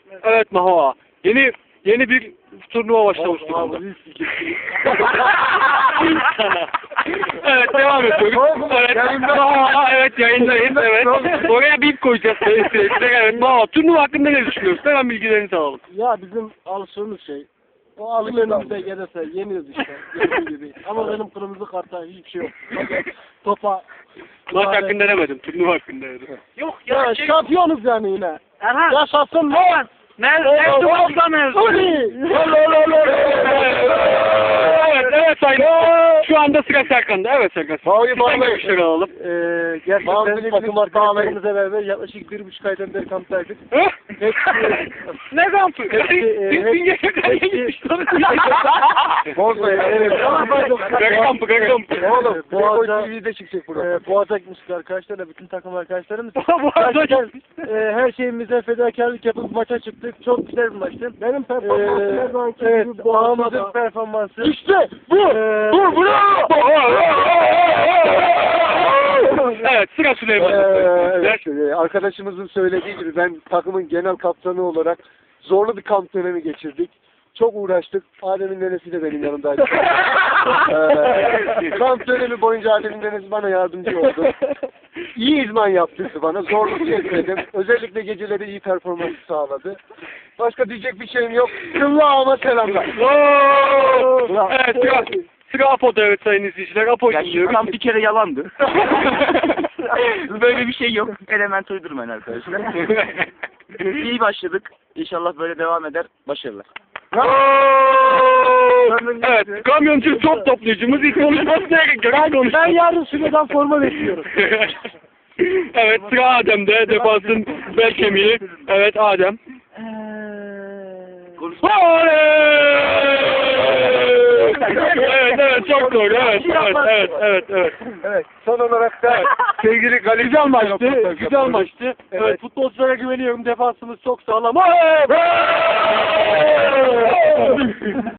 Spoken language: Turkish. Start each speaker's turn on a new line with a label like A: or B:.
A: Evet Mahva. Yeni bir turnuva başlamış durumda. Evet devam ediyoruz. Evet. Mahva, evet yayındayız. Evet. Oraya bip koyacağız. Evet Mahva. Turnuva hakkında ne düşünüyorsun? Hemen bilgilerini alalım.
B: Ya bizim alıştığımız şey. O alım önümüze gelirse yeniyoruz işte. Dediğim gibi. Ama benim kırmızı kartta hiçbir şey yok. Topa.
A: Maç hakkında demedim. Turnuva hakkında dedim.
C: Yok
B: Ya şampiyonuz yani yine.
C: Erhan.
B: Yaşasın lan.
C: Mevzu olsa mevzu.
A: Evet sayın. Şu anda sıra Serkan'da. Evet Serkan. Sizden görüşleri alalım.
B: Gerçekten takım arkadaşlarımızla beraber yaklaşık 1,5 aydan beri kamptaydık.
A: Ne kampı? Bin geçerken kampı.
B: Oğlum Boğaz'a TV'de çıkacak burada. Boğaz'a gitmiştik arkadaşlarla, bütün takım arkadaşlarımız. Gerçekten her şeyimize fedakarlık yapıp maça çıktık. Çok güzel bir maçtı. Benim performansım her zamanki gibi Boğaz'ın performansı. İşte bu! Bu!
A: Evet sıra Süleyman'da.
D: Evet, arkadaşımızın söylediği gibi ben takımın genel kaptanı olarak zorlu bir kamp dönemi geçirdik. Çok uğraştık. Adem'in nenesi de benim yanımdaydı. Kamp dönemi boyunca Adem'in nenesi bana yardımcı oldu. İyi idman yaptırdı bana. Zorluk çekmedim. Özellikle geceleri iyi performans sağladı. Başka diyecek bir şeyim yok. Kıllağıma selamlar.
A: Evet sıra Apo'da evet sayın izleyiciler. Apo dinliyoruz.
C: Tam bir kere yalandı. Böyle bir şey yok. Element uydurmayın arkadaşlar. İyi başladık. İnşallah böyle devam eder. Başarılar.
A: Evet, kamyoncu top toplayıcımız ilk konuşmasına gerek
B: Ben yarın Süleyman forma bekliyorum.
A: Evet, sıra Adem'de, defansın bel kemiği. Evet, Adem. Evet, çok doğru. Evet.
D: Son olarak da sevgili Galip
A: Güzel maçtı. Evet, futbolculara güveniyorum. Defansımız çok sağlam.